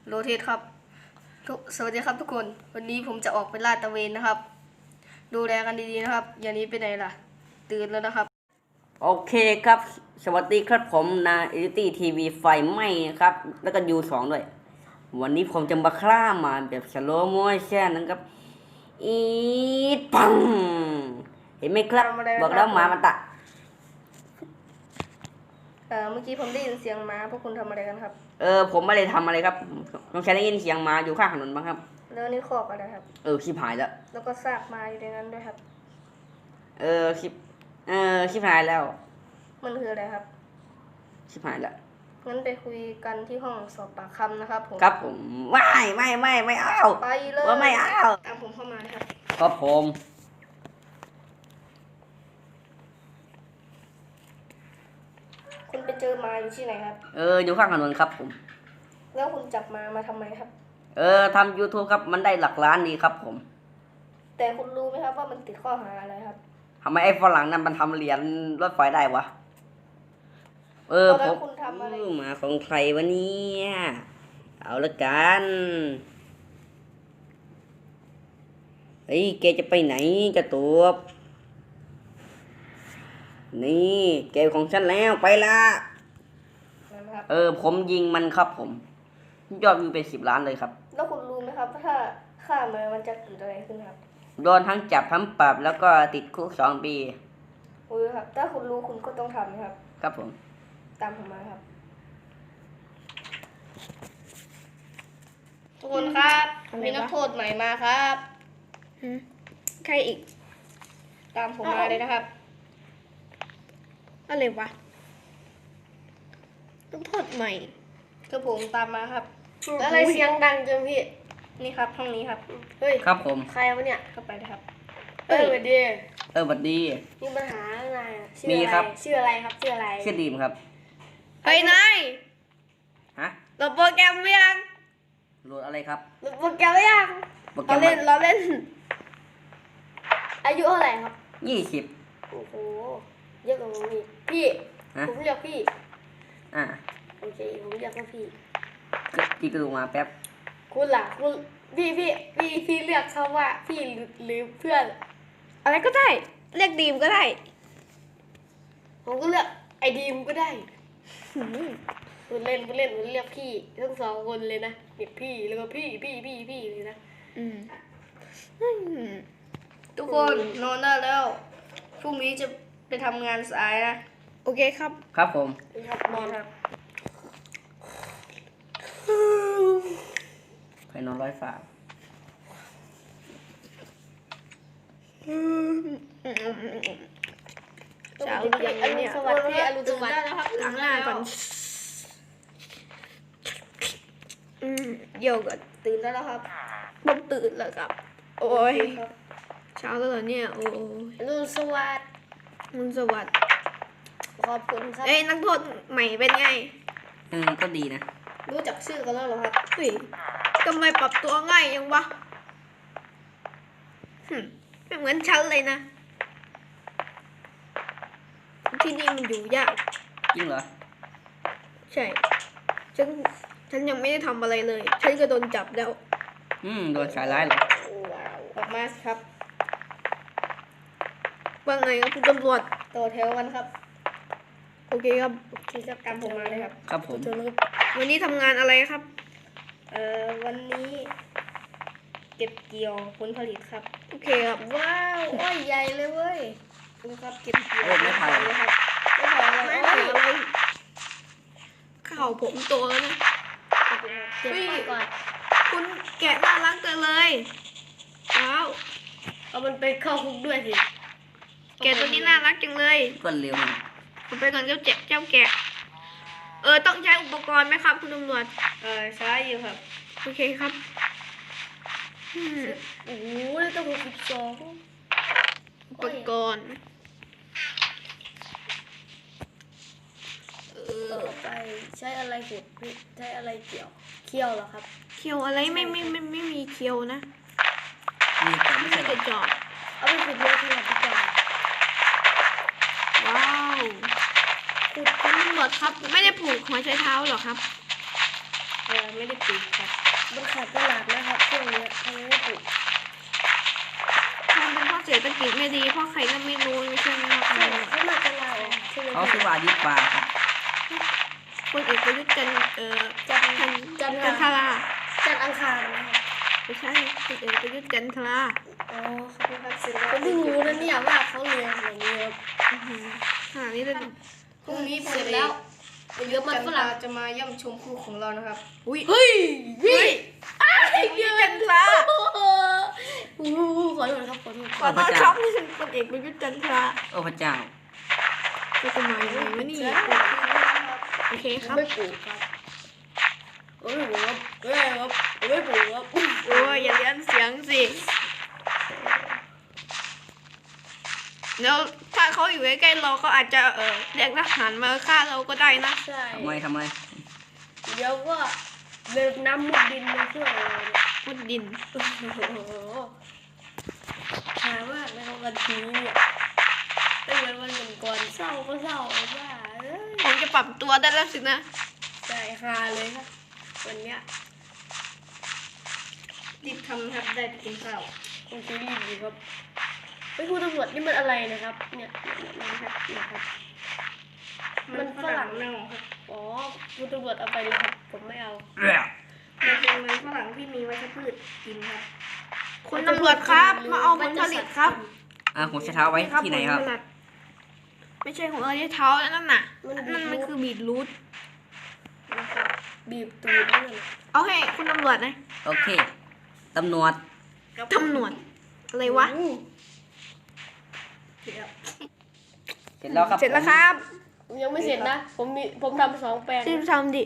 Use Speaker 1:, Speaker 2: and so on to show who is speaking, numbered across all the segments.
Speaker 1: โรเทสครับสวัสดีครับทุกคนวันนี้ผมจะออกไปลาดตระเวนนะครับดูแลกันดีๆนะครับอย่าหนี้ไปไหนล่ะตื่นแล้วนะครับ
Speaker 2: โอเคครับสวัสดีครับผมนาเอลิตี้ทีวีไฟไหม้นะครับแล้วก็ยู2ด้วยวันนี้ผมจะมาฆ่ามาแบบสโลว์โมชั่นนะครับอีปังเห็นไหมครับบอกแล้วหมามันตะ
Speaker 1: เมื่อกี้ผมได้ยินเสียงม้าพวกคุณทำอะไรกันครับ
Speaker 2: ผมไม่ได้ทำอะไรครับน้องชายได้ยินเสียงหมาอยู่ข้างถนนบ้างครับ
Speaker 1: แล้วนี่คอกอะไรครับ
Speaker 2: ชิบหายแล้ว
Speaker 1: แล้วก็ซากม้าอยู่ในนั้นด้วยครับ
Speaker 2: ชิบหายแล้ว
Speaker 1: มันคืออะไรครับ
Speaker 2: ชิบหายแล้ว
Speaker 1: งั้นไปคุยกันที่ห้องสอบปากคำนะครับผม
Speaker 2: ครับผมไม่เอา
Speaker 1: ไปเลย
Speaker 2: ว่าไม่เอา
Speaker 1: ตามผมเข้ามาครับ
Speaker 2: ครับผม
Speaker 1: คุณไปเจอมาอยู่ที่ไหนครับ
Speaker 2: อยู่ข้างถนนครับผม
Speaker 1: แล้วคุณจับมาทำไมครับ
Speaker 2: ทำ YouTube ครับมันได้หลักล้านดีครับผม
Speaker 1: แต่คุณรู้ไหมครับว่ามันติดข้อหาอะไรครับ
Speaker 2: ทำไมไอ้ฝรั่งนั้นมันทำเหรียญรถไฟได้วะ
Speaker 1: ผมคุณทำอะไร
Speaker 2: มาของใครวะเนี่ยเอาละกันเฮ้ยแกจะไปไหนจะตัวนี่แกของฉันแล้วไปละผมยิงมันครับผมยอดวิวเป็น10 ล้านเลยครับ
Speaker 1: แล้วคุณรู้ไหมครับว่าถ้าฆ่ามันจะเกิดอะไรขึ้นครับ
Speaker 2: โดนทั้งจับทั้งปรับแล้วก็ติดคุก2 ปี
Speaker 1: ครับถ้าคุณรู้คุณก็ต้องทำนะครับ
Speaker 2: ครับผม
Speaker 1: ตามผมมาครับทุกคนครับมีนักโทษใหม่มาครับ
Speaker 3: ใครอีก
Speaker 1: ตามผมมาเลยนะครับ
Speaker 3: อะไรวะต้องโทษใหม่
Speaker 1: คือผมตามมาครับ
Speaker 3: แล้วอะไรเสียงดังจังพี่
Speaker 1: นี่ครับห้องนี้ครับ
Speaker 3: เฮ้ย
Speaker 2: ครับผม
Speaker 3: ใครวะเนี่ย
Speaker 1: เข้าไปเลยครับ
Speaker 3: สวัสดี
Speaker 2: สวัสดี
Speaker 3: มีปัญหาอะไร
Speaker 2: มีครับ
Speaker 3: ชื่ออะไรครับชื่ออะไร
Speaker 2: ชื่อดีมครับ
Speaker 3: เฮ้ยนาย
Speaker 2: ฮะ
Speaker 3: โหลดโปรแกรมหรือยัง
Speaker 2: โหลดอะไรครับ
Speaker 3: โหลดโปรแกรมหรือยังเราเล่นอายุเท่าไหร่ครับ
Speaker 2: 20
Speaker 3: โอ้โหเยอะกว่าผมอีกพี่ผมเรียกพี่โอเคผมเรียกว่าพี่
Speaker 2: กระดูกมาแป๊บ
Speaker 3: คุณล่ะคุณพี่เรียกเขาว่าพี่หรือเพื่อนอะไรก็ได้เรียกดีมก็ได้ผมก็เรียกไอดีมก็ได้คุณเล่นเรียกพี่ทั้ง2 คนเลยนะเรียกพี่แล้วก็พี่เลยนะ
Speaker 1: ทุกคนนอนได้แล้วพรุ่งนี้จะไปทำงานสายนะ
Speaker 3: โอเคครับ
Speaker 2: ครับผม
Speaker 1: ครับนอนครับ
Speaker 2: ใครนอน100 ฝา
Speaker 3: เช้าอย่างนี้เนี่ย
Speaker 1: สวัสดีอรุณสวัสดิ์นะครับ
Speaker 3: ล้างหน้าก่อนเดี๋ยวก่อน
Speaker 1: ตื่นได้แล้วครับ
Speaker 3: ผมตื่นแล้วครับโอ้ยเช้าแล้วเหรอเนี่ยโอ้ย
Speaker 1: อรุณสวัสดิ์
Speaker 3: สวัสดิ์
Speaker 1: ขอบคุณครับ
Speaker 3: นักโทษใหม่เป็นไง
Speaker 2: ก็ดีนะ
Speaker 1: รู้จักชื่อกันแล้วเหรอครับ
Speaker 3: เฮ้ยทำไมปรับตัวง่ายยังวะไม่เหมือนฉันเลยนะที่นี่มันอยู่ยาก
Speaker 2: จริงเหรอ
Speaker 3: ใช่ฉันยังไม่ได้ทำอะไรเลยฉันก็โดนจับแล้ว
Speaker 2: โดนสายร้ายเหรอ
Speaker 1: ออกมาครับ
Speaker 3: ว่าไงครับคุณตำรวจ
Speaker 1: ต่อแถวกันครับ
Speaker 3: โอเคครับ
Speaker 1: ตามผมมาเลยครับ
Speaker 2: ครับผม
Speaker 3: วันนี้ทำงานอะไรครับ
Speaker 1: วันนี้เก็บเกี่ยวผลผลิตครับ
Speaker 3: โอเคครับ
Speaker 1: ว้าวอ้อยใหญ่เลยเว้ยดูครับเก็บเกี่ยว
Speaker 2: ไม่ผ่าน
Speaker 1: เลยครับไม่ผ่านอะไร
Speaker 3: ข่าวผมโตแล้วนะ
Speaker 1: เก็บไปก่อน
Speaker 3: คุณแกะน่ารักจังเลยว้าว
Speaker 1: เอามันไปเข้าคุกด้วยสิ
Speaker 3: แกะตัวนี้น่ารักจังเลย
Speaker 2: ก็เร็ว
Speaker 3: ผมไปก่อนเจ้าแกะต้องใช้อุปกรณ์ไหมครับคุณตำรวจ
Speaker 1: ใช้อยู่ครับ
Speaker 3: โอเคครับ
Speaker 1: โอ้ยต้อง62
Speaker 3: อุปกรณ์
Speaker 1: ต่อไปใช้อะไรขุดใช้อะไรเคี่ยวเหรอครับ
Speaker 3: เคี่ยวอะไรไม่มีเคี่ยวนะ
Speaker 2: มีแต่ไม่ใช่
Speaker 3: กระจอก
Speaker 1: เอาไปขุดเยอะขนาดนี้ก่อน
Speaker 3: ว้าวขุดคุณตำรวจครับไม่ได้ผูกหัวใช้เท้าหรอครับ
Speaker 1: ไม่ได้ปลูกครับ
Speaker 3: มันขาดตลาดนะครับช่วงเนี้ยทำไมไม่ปลูก
Speaker 4: มันเป็นเพราะเศรษฐกิจไม่ดีเพราะใครก็ไม่รู้ไม่ใช่ไหมครับ
Speaker 3: ใช่เขามาจะลาออกใช่ไหม
Speaker 2: เขาคือว่าดีกว่าครับ
Speaker 4: คนเอกประยุทธ์จันทรา
Speaker 3: จันทร์อังคารนะครับ
Speaker 4: ไม่ใช่คนเอกประยุทธ์จันทรา
Speaker 3: อ๋อขอบคุณครับศิลป์ผมเพิ่งรู้นะเนี่ยว่าเขาเรียนอย่างนี้ครับ
Speaker 4: ขนาดนี้เลย
Speaker 1: พรุ่งนี้ผม
Speaker 3: เสร็จแล้วเดี๋ยวมันฝรั่ง
Speaker 1: จะมาย่ำชมคู่ของเรานะครับ
Speaker 4: อุ้ย
Speaker 3: เฮ้ยพี่
Speaker 4: เอกประยุทธ์จันทรา
Speaker 3: โอ้โหขอโทษครับขอโทษ
Speaker 4: ขอต้อนรับที่เป็นคนเอกประยุทธ์จันทรา
Speaker 2: โอ้พระเจ้า
Speaker 4: จะจะมาอย่างไรวะนี่โอเคครับ
Speaker 3: ไม่ปลูกครับไม่ปลูกครับไม่ปลูกครับ
Speaker 4: โอ้ยอย่าเลี้ยนเสียงสิแล้วถ้าเขาอยู่ใกล้ๆเราเขาอาจจะเรียกทหารมาฆ่าเราก็ได้นะ
Speaker 3: ใช่
Speaker 2: ทำไม
Speaker 3: เดี๋ยวก็เลิกน้ำมุดดินมาช่วยเราเนี่ย
Speaker 4: มุดดิน
Speaker 3: โอ้โหหามากนะครับวันนี้เนี่ยไม่เหมือนวันก่อนเศร้าก็เศร้าเอาว่าเอ้ย
Speaker 4: ผมจะปรับตัวได้แล้วสินะ
Speaker 3: ใช่ฮาเลยครับวันเนี้ย
Speaker 1: รีบทำนะครับได้ไปกินข้าว
Speaker 3: คุณซีรีส์ดีครับไปคุณตำรวจนี่มันอะไรนะครับ เนี่ยนะครับ มันฝรั่ง
Speaker 1: เน่าครับ
Speaker 3: อ๋อคุณตำรวจเอาไปเลยครับ ผมไม่เอา
Speaker 1: มันเป็นมันฝรั่งที่มีวัชพืชกินครับ
Speaker 4: คุณตำรวจครับมาเอาผลผลิตครับ
Speaker 2: หัวใช้เท้าไว้ที่ไหนครับ
Speaker 4: ผลผลิตไม่ใช่ของเราที่เท้านั่นน่ะนั่นมันคือบีทรูท
Speaker 3: นะครับบีบตูดนี่เลย
Speaker 4: เอาให้คุณตำรวจนะ
Speaker 2: โอเค ตำรวจ
Speaker 4: ตำรวจอะไรวะ
Speaker 2: เสร็จแล้วครับ
Speaker 4: เสร็จแล้วครับ
Speaker 3: ผมยังไม่เสร็จนะ ผมทำ2 แปลง
Speaker 4: รีบทำดิ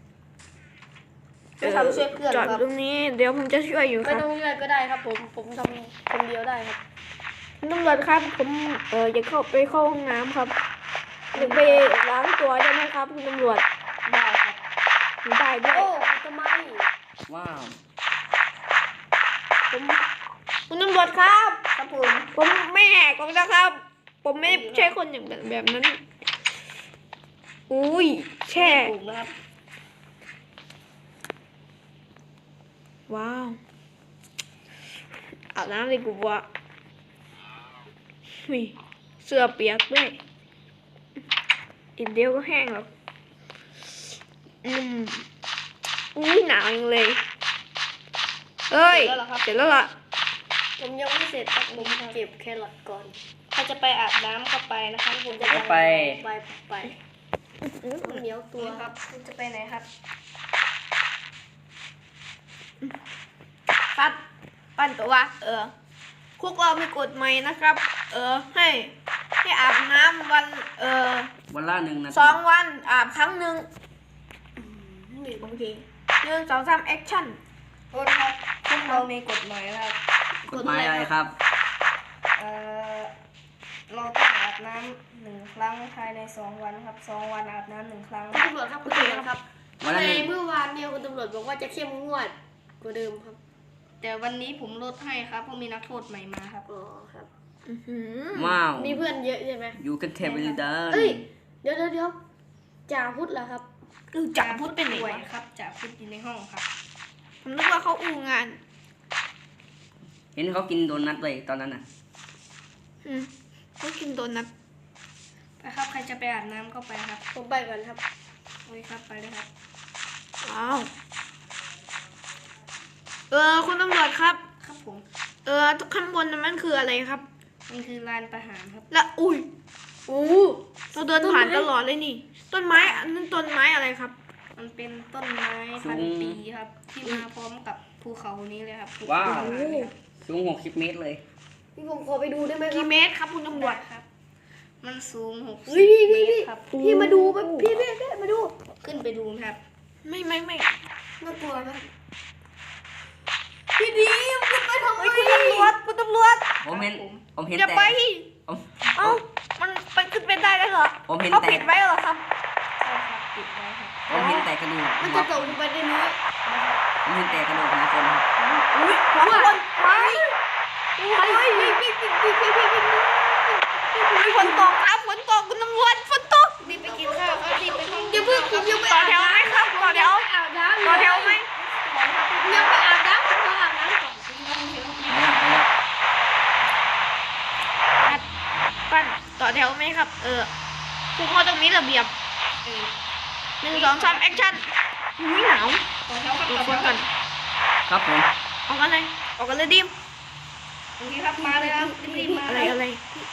Speaker 1: จะทำช่วยเพื่อน
Speaker 4: จอด
Speaker 1: ครับ
Speaker 4: ตรงนี้เดี๋ยวผมจะช่วยอยู่ค
Speaker 3: ไม่
Speaker 4: รับ
Speaker 3: ต้องเลื่อนก็ได้ครับ ผมทำคนเดียวได้ครับ
Speaker 4: คุณตำรวจครับ ผมอยากเข้าห้องน้ำครับอยากไปล้างตัวได้ไหมครับ คุณตำรวจ
Speaker 1: ได้ครับ
Speaker 4: ได้ด้วย
Speaker 3: โอ้ทำไม
Speaker 2: ว้าว
Speaker 4: คุณตำรวจครับ
Speaker 1: ครับผม
Speaker 4: ผมไม่แหกหรอกนะครับ ผมไม่ใช่คนอย่างแบบนั้น อุ้ยแช่
Speaker 1: ปลูกนะครับ
Speaker 4: ว้าวอาบน้ำเลยกูว่าอุ้ยเสื้อเปียกด้วยอีกเดียวก็แห้งหรอกอุ้ยหนาวจังเลยเอ้ยเสร็จแล้วล่ะ
Speaker 3: ผมยังไม่เสร็จครับผมเก็บแครอทก่อน
Speaker 1: ถ้าจะไปอาบน้ำก็ไปนะครับผมจะ
Speaker 2: ไป
Speaker 3: ไปเหนียวตัว
Speaker 1: ครับคุณจะไปไหนครับ
Speaker 4: ครับปั้นตัวว่าพวกเรามีกฎใหม่นะครับ ให้อาบน้ำวัน
Speaker 2: วันละ1 นาที
Speaker 4: 2 วันอาบครั้งหนึ่งโอเค1 2 3 แอคชั่น
Speaker 1: โทษครับพวกเรามีกฎหมายนะครับ
Speaker 2: กฎหมายอะไรครับ
Speaker 1: เราต้องอาบน้ำ1 ครั้งภายใน2 วันครับ2 วันอาบน้ำ1 ครั้ง
Speaker 3: คุณตำรวจครับคุณตำรวจครับ
Speaker 2: วันละ
Speaker 3: ใน
Speaker 2: 1
Speaker 3: เมื่อวานเนี่ยคุณตำรวจบอกว่าจะเข้มงวดกว่าเดิมครับ
Speaker 1: แต่วันนี้ผมลดให้ครับเพราะมีนักโทษใหม่มาครับ
Speaker 3: อ๋อครับ
Speaker 2: ว้าว
Speaker 3: มีเพื่อนเยอะใช่ไหม
Speaker 2: อยู่กันเทเบิลดัน
Speaker 3: เอ้ยเดี๋ยวจ่าพุทธเหรอครับ
Speaker 4: จับพุทธเป็นไหน
Speaker 1: ป่ว
Speaker 4: วะ
Speaker 1: ยครับจะพุทธอยู่ในห้องครับ
Speaker 4: ผมนึกว่าเขาอูงาน
Speaker 2: เห็นเขากินโดนัทเลยตอนนั้นน่ะ
Speaker 4: เขากินโดนัท
Speaker 1: ไปครับใครจะไปอาบน้ำก็ไปครับ
Speaker 3: ผมไปก่อนครับ
Speaker 1: โอ้ยครับไปเลยครับ
Speaker 4: ว้าวคุณตำรวจครับ
Speaker 1: ครับผม
Speaker 4: ข้างบนนั้นมันคืออะไรครับ
Speaker 1: มันคือลานประหารครับ
Speaker 4: และอุ้ย
Speaker 3: อู้
Speaker 4: เราเดินผ่านตลอดเลยนี่ ต้นไม้อันนั้นต้นไม้อะไรครับ
Speaker 1: มันเป็นต้นไม้พันปีครับ ที่มาพร้อมกับภูเขานี้เลยครับภู
Speaker 2: ว้าว
Speaker 1: เขาเลยครับ
Speaker 2: สูง60 เมตรเลย
Speaker 3: พี่ผมขอไปดูได้ไหมครั
Speaker 4: กี่
Speaker 3: บ
Speaker 4: เมตรครับคุณตำรวจ
Speaker 1: ครับ มันสูง
Speaker 3: เฮ้ย
Speaker 1: 60 เม
Speaker 3: พี่
Speaker 1: ตรครับ
Speaker 3: พี่มาดูพี่มาดู
Speaker 1: ขึ้นไปดูครับ
Speaker 4: ไม่
Speaker 3: น่ากลัวนะพี่ดีขึ้นไปทำไม
Speaker 4: คุณตำรวจคุณตำรวจ
Speaker 2: ผมเห็น
Speaker 4: อย่า
Speaker 2: แต่
Speaker 4: ไป
Speaker 2: ผม
Speaker 4: เอ้ามันไปขึ้นไปได้แล้วเหรอ
Speaker 2: ผมเห็น
Speaker 4: เขา
Speaker 2: แต่
Speaker 4: ปิดไว้เหรอครับ
Speaker 1: ใช่ครับปิดไว้ครับ
Speaker 2: ผมเห็นแต่กระดูก
Speaker 3: มันจะตกลงไปในนี้
Speaker 2: ผมเห็นแต่กระดูกของคนครับ
Speaker 4: อุ้ยของคนไปฝนตกครับฝนตกคุณตำรวจฝนตก
Speaker 1: รีบไปกินข้าวครับรีบไปห้อง
Speaker 3: อย่าเพิ่งผมยังไม่
Speaker 4: ต่อแถวไหมครับต่อแถว
Speaker 3: อาบน้น้ำ
Speaker 4: ต่อแถวไหม
Speaker 3: ยังไปอาบน้ำก่อนอาบน้ำก่อน
Speaker 4: ปั้นต่อแถวไหมครับ พวกเขาต้องมีระเบียบ 1 2 3แอคชั่นอุ้ยหนาว
Speaker 1: ต่อแถวครับ
Speaker 4: ดู
Speaker 1: ต่อ
Speaker 4: คน
Speaker 1: แถว
Speaker 4: ก่อน
Speaker 2: ครับผม
Speaker 4: ออกกันเลยออกกันเลยดิม
Speaker 1: โอเคครับมาเลยครับรีบๆมา
Speaker 4: อะไรอะไร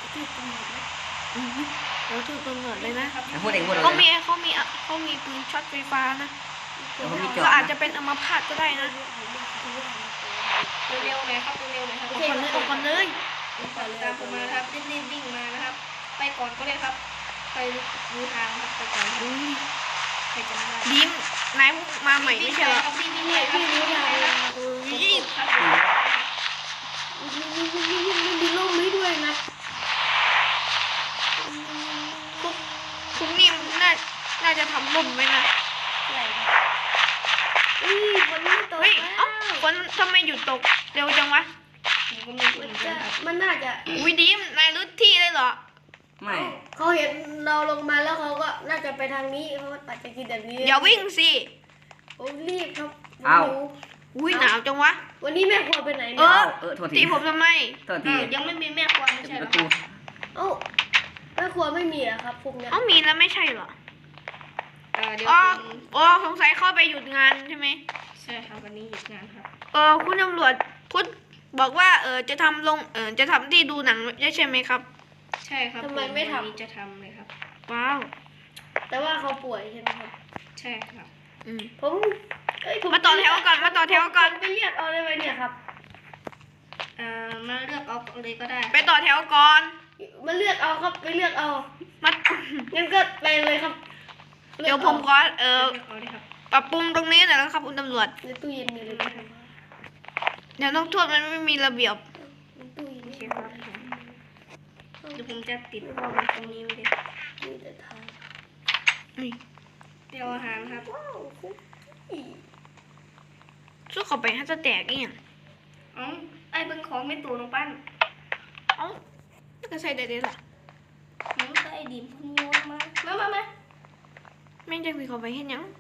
Speaker 4: เราถือกำเนิดเลยนะ
Speaker 2: พูดเองพูดเลย
Speaker 4: เขามีปืนช็อตไฟฟ้านะ
Speaker 2: ผมมีจอ
Speaker 4: ก็
Speaker 2: ด
Speaker 4: อาจจะเป็นอัมพาตก็ได้นะ
Speaker 1: เร็วๆหน่อยครับเร็วๆหน่อยครับ
Speaker 4: ออกก่อนเลย
Speaker 1: ตามผมมาครับรีบๆวิ่งมานะครับ ไปก่อนก็ได้ครับไปดูทางครับไปก่อนครับใครจำได้
Speaker 4: ดิมนายมาใหม่ไม่ใช่เหรอ
Speaker 1: ครับรีบๆเลยครับรีบๆเลยครับรีบๆครับ
Speaker 3: มีร่มให้ด้วยนะ
Speaker 4: พวกนี้น่าจะทำล่มไว้นะ
Speaker 3: มันไม่ตก
Speaker 4: เฮ้ย
Speaker 3: แล้ว
Speaker 4: เอ้าฝนทำไมหยุดตกเร็วจังวะ
Speaker 1: ผมก็ไม่รู้เหมือนกันครับ
Speaker 3: มันน่าจะ
Speaker 4: อุ้ยดิมนายรู้ที่เลยเหรอ
Speaker 2: ไม่
Speaker 3: เขาเห็นเราลงมาแล้วเขาก็น่าจะไปทางนี้เขาอาจจะกินแบบนี้
Speaker 4: อย่าวิ่งสิ
Speaker 3: โอ้รีบครับ
Speaker 2: เอ้า
Speaker 4: อุ้ยหนาวจังวะ
Speaker 3: วันนี้แม่ครัวไปไหน
Speaker 4: เอ
Speaker 3: เนี่ย
Speaker 4: อ
Speaker 2: โทษที
Speaker 4: ตีผมทำไม
Speaker 2: โทษที
Speaker 1: ยังไม่มีแม่ครัวไม่
Speaker 2: ปิ
Speaker 1: ใช่
Speaker 2: ด
Speaker 1: เห
Speaker 2: ป
Speaker 1: รอ
Speaker 2: ระตู
Speaker 3: เอ้าแม่ครัวไม่มีอะครับพวกเนี้ย
Speaker 4: เอ้ามีแล้วไม่ใช่เหรอ
Speaker 1: เดี๋ยว
Speaker 4: อ๋อ
Speaker 1: ผม
Speaker 4: อ๋อสงสัยเข้าไปหยุดงานใช่ไหม
Speaker 1: ใช่ครับวันนี้หยุดงานครับ
Speaker 4: คุณตำรวจพูดบอกว่าจะทำจะทำที่ดูหนังใช่ไหมครับ
Speaker 1: ใช่ครับ
Speaker 3: ทำไมไม่ท
Speaker 1: วันนี้จะทำเลยครับ
Speaker 4: ว้าว
Speaker 3: ำแต่ว่าเขาป่วยใช่ไหมครับ
Speaker 1: ใช่ครับ
Speaker 4: อืม
Speaker 3: ผมผม
Speaker 4: มาต่อแถวก่อนมาต่อแถวก่อน
Speaker 3: ไปเรียกเอาเลยไหมเนี่ยครับ
Speaker 1: มาเลือกเอาเลยก็ได้
Speaker 4: ไปต่อแถวก่อน
Speaker 3: มาเลือกเอาครับไปเลือกเอา
Speaker 4: มา
Speaker 3: งั้นก็ไปเลยครับ
Speaker 4: เดี๋ยวผมขอ
Speaker 1: เลือกเอาเลยครับ
Speaker 4: ปรับปรุงตรงนี้หน่อยนะครับคุณตำรวจ
Speaker 3: ในตู้เย็นมีเลยครับ
Speaker 4: เดี๋ยวต้องโทษมันไม่มีระเบียบ
Speaker 3: ในตู้เย็น
Speaker 1: โอ
Speaker 3: มี
Speaker 1: เคครับเดี๋ยวผมจะติดตรงนี้ไว้เลย
Speaker 3: แต่ทาง
Speaker 4: นี่
Speaker 1: เดี๋ยวอาหารครับ
Speaker 3: ว้าวคุกกี้
Speaker 4: สู้เข้าไปให้จะแตกอีกอย่าง
Speaker 1: อ๋อไอ้เบิ้งของไม่ตูน้องปั้น
Speaker 4: เอ้าก็ใส่ได้เลยล่ะ
Speaker 1: น้องก็ไอ้ดิมเพิ่งโยนมามา
Speaker 4: แม่งจะคุยเข้าไปเห็นยัง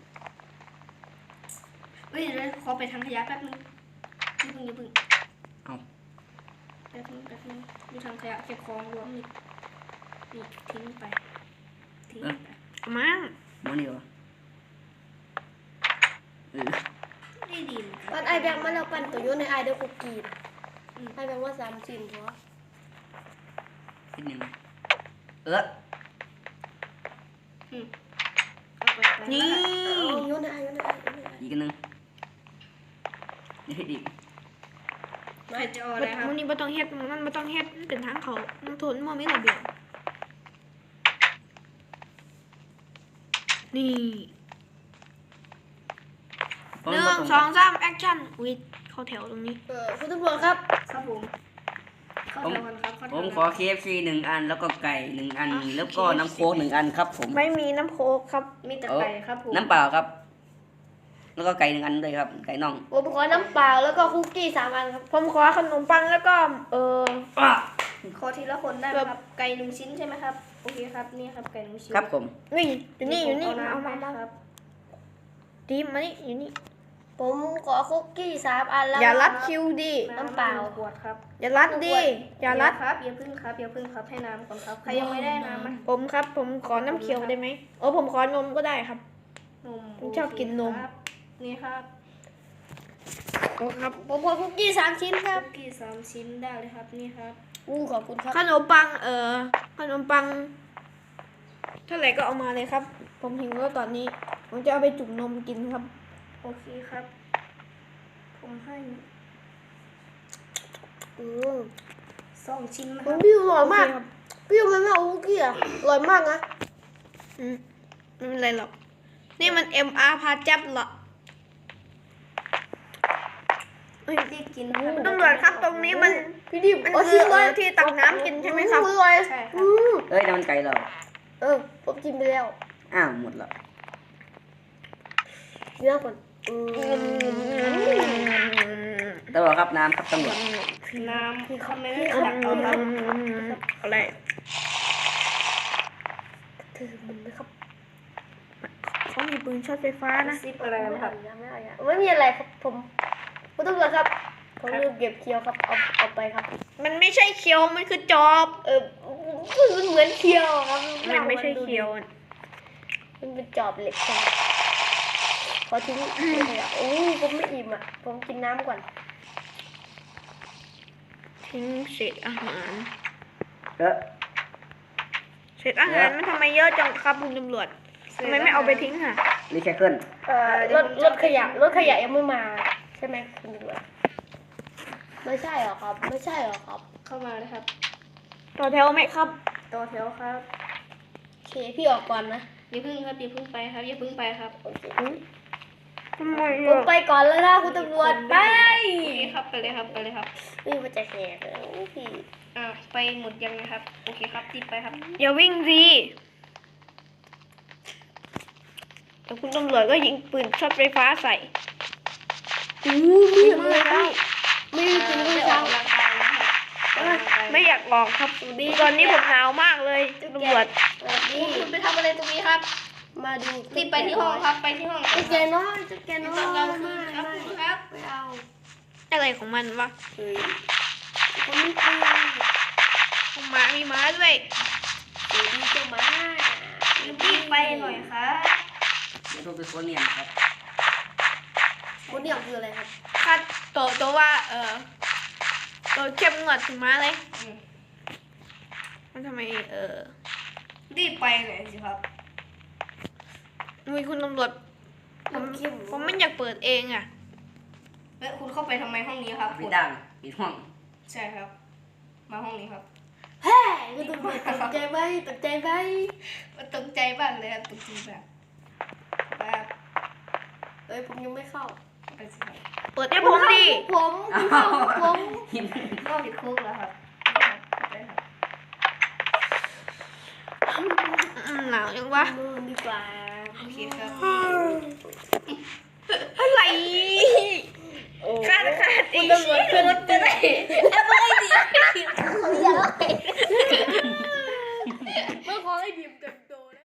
Speaker 1: เฮ้ยเดี๋ยวขอไปทางขยะแป๊บนึงอย่าเพิ่ง
Speaker 2: เอา
Speaker 1: แป๊บนึงดูทางขยะเก็บของรวมนี่ทิ้งไปทิ้งไป
Speaker 4: เอามา
Speaker 2: โมนี่วะเออ
Speaker 1: ได้ดีเหมือนกั
Speaker 3: ปั้นไอแบงค์มาแล้วปั้นตัวโยนในไอเดอร์คุกกี้ไอแบงค์ว่า3 ชิ้นเพราะ
Speaker 2: คิดยังไง
Speaker 1: เ
Speaker 2: เออ
Speaker 1: อาไป
Speaker 4: นี่
Speaker 3: เอาโยนในไอโยนในไอโยนในไอ
Speaker 2: อีกอันหนึงนี่ให้ดี
Speaker 1: ใครจะเอาอะไรครับ
Speaker 4: มันนี่ไม่ต้องเฮ็ดมันไม่ต้องเฮ็ดมันเป็นทางเขามันทนมันไม่ระเบียบนี่ 1 2 3แอคชั่นอุ้ยเข้าแถวตรงนี้
Speaker 3: คุณตำรวจครับ
Speaker 1: ครับผมเข้าแถวกันครับเข้าแถ
Speaker 2: ผ
Speaker 1: ว
Speaker 2: ม
Speaker 1: กัน
Speaker 2: ขอ KFC 1 อัน แล้วก็ไก่1 อัน แล้วก็น้ำโค้ก1 อันครับผม
Speaker 4: ไม่มีน้ำโค้กครับ
Speaker 1: มีแต่ไก่ครับผม
Speaker 2: น้ำเปล่าครับ แล้วก็ไก่1 อันด้วยครับ ไก่น่อง
Speaker 3: ผมขอน้ำเปล่าแล้วก็คุกกี้3 อันครับ
Speaker 4: ผมขอขนมปังแล้วก็
Speaker 1: ขอทีละคนได้ไหมครับ ไก่1 ชิ้นใช่ไหมครับ โอเคครับ นี่ครับไก่1 ชิ้น
Speaker 2: ครับผม
Speaker 4: นี่อยู่นี่อยู่นี่
Speaker 1: เา
Speaker 4: เอา
Speaker 1: น้ำ
Speaker 4: มา
Speaker 1: ไป
Speaker 4: มา
Speaker 1: ครับ
Speaker 4: ดีมานี่อยู่นี่
Speaker 3: ผมขอคุกกี้3 อันแล้ว
Speaker 4: อย่ารัดคิวดิ
Speaker 3: น้ำเปล่า
Speaker 1: ขวดครับ
Speaker 4: อย่ารัดดิอย่ารัด
Speaker 1: ครับอย่าพึ่งครับอย่าพึ่งครับให้น้ำก่อนครับใครยังไม่ได้น้ำไหม
Speaker 4: ผมครับ ผมขอน้ำเขียวได้ไหมผมขอนมก็ได้ครับ
Speaker 1: นม
Speaker 4: ผมชอบกินนม
Speaker 1: ครับนี่ครับ
Speaker 4: โอ้ครับ
Speaker 3: ผมขอคุกกี้3 ชิ้นครับ
Speaker 1: คุกกี้3 ชิ้นได้เลยครับนี่ครับ
Speaker 3: ขอบคุณครับ
Speaker 4: ขนมปังขนมปังเท่าไหร่ก็เอามาเลยครับ ผมหิวแล้วตอนนี้ ผมจะเอาไปจุ่มนมกินครับ
Speaker 1: โอเคครับ ผมให้ 2 ชิ้นนะค
Speaker 3: มั
Speaker 1: รั
Speaker 3: น
Speaker 1: บ
Speaker 3: พี่อร่อยมาก
Speaker 4: โอเคครับ
Speaker 3: พี่มันไม่เอาคุกกี้อ่ะอร่อยมากนะ
Speaker 4: ไม่เป็นไรหรอก นี่มัน MR พาจับเหรอ
Speaker 1: รีบกินนะครับ
Speaker 4: ตำรวจครับตรงนี้มัน
Speaker 3: พี่ดิบ
Speaker 4: มัน
Speaker 3: เอา
Speaker 4: คือ
Speaker 3: เลย
Speaker 4: ที่ตักน้ำกินใช่ไหมครับ
Speaker 3: อร่อย
Speaker 1: ใช่ครับ
Speaker 2: เอ้ยนั่นมันไก่เรา
Speaker 3: ผมกินไปแล้ว
Speaker 2: อ้าวหมดแล้ว
Speaker 3: เนื้อก่อน
Speaker 2: ตำรวจครับน้ำครับตำรวจ
Speaker 1: น้ำคือเขาไม่ได้ตักเอาครับ
Speaker 4: อะไร
Speaker 3: ถือมันนะครับ
Speaker 4: ขอเขามีปืนช็อตไฟฟ้านะ
Speaker 1: ซิปอะไรนะครับ
Speaker 3: ไม่มีอะไรครับผมคุณตำรวจครับผมลืมเก็บเคียวครับเอาไปครับ
Speaker 4: มันไม่ใช่เคียวมันคือจอบ
Speaker 3: มันเหมือนเคียวครับ
Speaker 4: มันไม่ใช่เคียว
Speaker 3: มันเป็นจอบเหล็กครับขอทิ้งเลยอ่ะโอ้ผมไม่อิ่มอ่ะผมกินน้ำก่อน
Speaker 4: ทิ้งเศษอาหาร
Speaker 2: เออ
Speaker 4: เศษอาหารมันทำไมเยอะจังครับคุณตำรวจทำไมไม่เอาไปทิ้งค่ะ
Speaker 2: รีไซเคิล
Speaker 3: รถขยะยังไม่มาใช่ไหมคุณตำรวจไม่ใช่หรอครับ ไม่ใช่หรอครับ
Speaker 1: เข้ามาเลยครับ
Speaker 4: ต่อแถวไหมครับ
Speaker 1: ต่อแถวครับ
Speaker 3: โอเคพี่ออกก่อนนะ
Speaker 1: อย่าพึ่งครับอย่าพึ่งไปครับอย่าพึ่งไปครับ
Speaker 3: โอเค
Speaker 4: ทำไม
Speaker 3: ผมไปก่อนแล้วนะคุณตำรวจไป
Speaker 1: โอเคครับไปเลยครับไปเลยครับ
Speaker 3: นี่มันจะแหกเลยพี่
Speaker 1: ไปหมดยังนะครับโอเคครับติดไปครับ
Speaker 4: อย่าวิ่งสิแต่คุณตำรวจก็ยิงปืนช็อตไฟฟ้าใส่
Speaker 3: ไม่เห็นเลยครับไม่ได้กินด้วย
Speaker 1: อ
Speaker 3: ซ้
Speaker 1: อกกำลังกายนะครับออกกำลังกาย
Speaker 4: ไม่อยากออกครับตอนนี้ผมหนาวมากเลยคุณตำรวจ
Speaker 3: ำนี่
Speaker 1: คุณไปทำอะไรตรงนี้ครับ
Speaker 3: มาดู
Speaker 1: รีบไปที่ห้องครับไปที่ห้อง
Speaker 3: จุดแกน้อยจุดแกน้อย
Speaker 1: ต้องเอาคืนครับ
Speaker 3: ไม่
Speaker 1: คุณครับ
Speaker 3: ไม่เอา
Speaker 4: อะไรของมันวะ
Speaker 3: เฮ้ยผมไม่ตี
Speaker 4: ผมหมามีหม้าด้วย
Speaker 3: เดี๋ยวดีจะมา
Speaker 1: รีบไปหน่อยครับ
Speaker 2: ไม่ต้องเป็นคนเนี่ยครับ
Speaker 3: คนเนี่ยคืออะไรครับ
Speaker 4: คัดตัวว่าตัวเข้มงวดถึงม้าเลย มันทำไม
Speaker 1: รีบไปหน่อยสิครับ
Speaker 4: มีคุณตำรวจผมไม่อยากเปิดเองอ่ะ
Speaker 1: แล้วคุณเข้าไปทำไมห้องนี้ครับ
Speaker 2: ปิดดังปิดห้อง
Speaker 1: ใช่ครับ มาห้องนี้ครับ
Speaker 3: เฮ้ยคุณตำรวจตกใจไหมตกใจไหม
Speaker 1: มันตกใจบ้างเลยครับตกใจแบบแบบ
Speaker 3: เอ้ยผมยังไม่เข้า
Speaker 1: ไปสิครับ
Speaker 4: เปิดให้ผมดิ
Speaker 3: ผมเข้าผม
Speaker 2: หิน
Speaker 1: เข้าผิดคุกแล้วครับได้ครับ
Speaker 4: หนาวยังวะ
Speaker 3: มือดีกว่า
Speaker 1: โอเคครับ
Speaker 4: อะไร
Speaker 3: โอ้
Speaker 4: คาด
Speaker 3: คุ
Speaker 4: อี
Speaker 3: ณ
Speaker 4: ก
Speaker 3: ตำรวจ